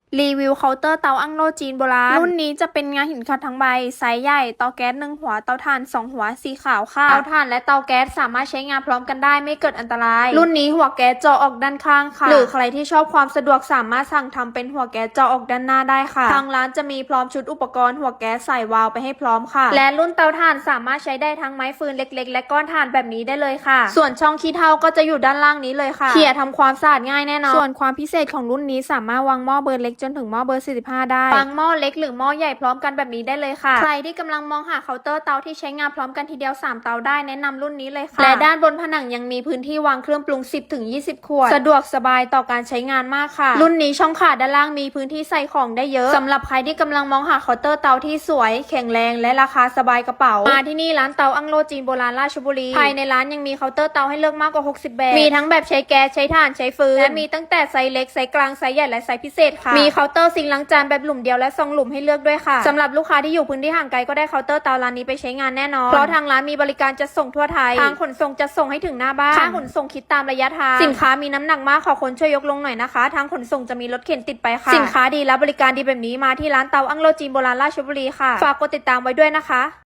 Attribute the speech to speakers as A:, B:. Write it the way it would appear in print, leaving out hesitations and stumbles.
A: รีวิวเคาน์เตอร์เตาอั้งโล่จีนโบราณรุ่นนี้จะเป็นงาหินขัดทั้งใบไซส์ใหญ่เตาแก๊ส1 หัวเตาถ่าน2 หัวสีขาวค่ะเตาถ่านและเตาแก๊สสามารถใช้งานพร้อมกันได้ไม่เกิดอันตรายรุ่นนี้หัวแก๊สเจาะออกด้านข้างค่ะหรือใครที่ชอบความสะดวกสามารถสั่งทำเป็นหัวแก๊สเจาะออกด้านหน้าได้ค่ะทางร้านจะมีพร้อมชุดอุปกรณ์หัวแก๊สใส่วาล์วไปให้พร้อมค่ะและรุ่นเตาถ่านสามารถใช้ได้ทั้งไม้ฟืนเล็กๆและก้อนถ่านแบบนี้ได้เลยค่ะส่วนช่องขี้เถ้าก็จะอยู่ด้านล่างนี้เลยค่ะเขี่ยทำความสะอาดง่ายแน่นอนส่วนความพิเศษของรุ่นนี้สามารถวางหม้อเบอร์เล็กจนถึงหม้อเบอร์45ได้วางหม้อเล็กหรือหม้อใหญ่พร้อมกันแบบนี้ได้เลยค่ะใครที่กำลังมองหาเคาน์เตอร์เตาที่ใช้งานพร้อมกันทีเดียว3 เตาได้แนะนำรุ่นนี้เลยค่ะและด้านบนผนังยังมีพื้นที่วางเครื่องปรุง 10-20 ขวดสะดวกสบายต่อการใช้งานมากค่ะรุ่นนี้ช่องขาด้านล่างมีพื้นที่ใส่ของได้เยอะสำหรับใครที่กำลังมองหาเคาน์เตอร์เตาที่สวยแข็งแรงและราคาสบายกระเป๋ามาที่นี่ร้านเตาอั้งโล่จีนโบราณราชบุรีภายในร้านยังมีเคาน์เตอร์เตาให้เลือกมากกว่า60แบบมีทั้งแบบใช้แก๊สใช้ถ่านใช้ฟืนและมีตั้งแต่ไซส์เล็กไซส์กลางไซส์ใหญ่และไซส์พิเศษค่ะมีเคาน์เตอร์ซิงค์ล้างจานแบบหลุมเดียวและ2 หลุมให้เลือกด้วยค่ะสำหรับลูกค้าที่อยู่พื้นที่ห่างไกลก็ได้เคาน์เตอร์เตาร้านนี้ไปใช้งานแน่นอนเพราะทางร้านมีบริการจัดส่งทั่วไทยทางขนส่งจะส่งให้ถึงหน้าบ้านค่าขนส่งคิดตามระยะทางสินค้ามีน้ำหนักมากขอคนช่วยยกลงหน่อยนะคะทางขนส่งจะมีรถเข็นติดไปค่ะสินค้าดีและบริการดีแบบนี้มาที่ร้านเตาอั้งโล่จีนโบราณราชบุรีค่ะฝากกดติดตามไว้ด้วยนะคะ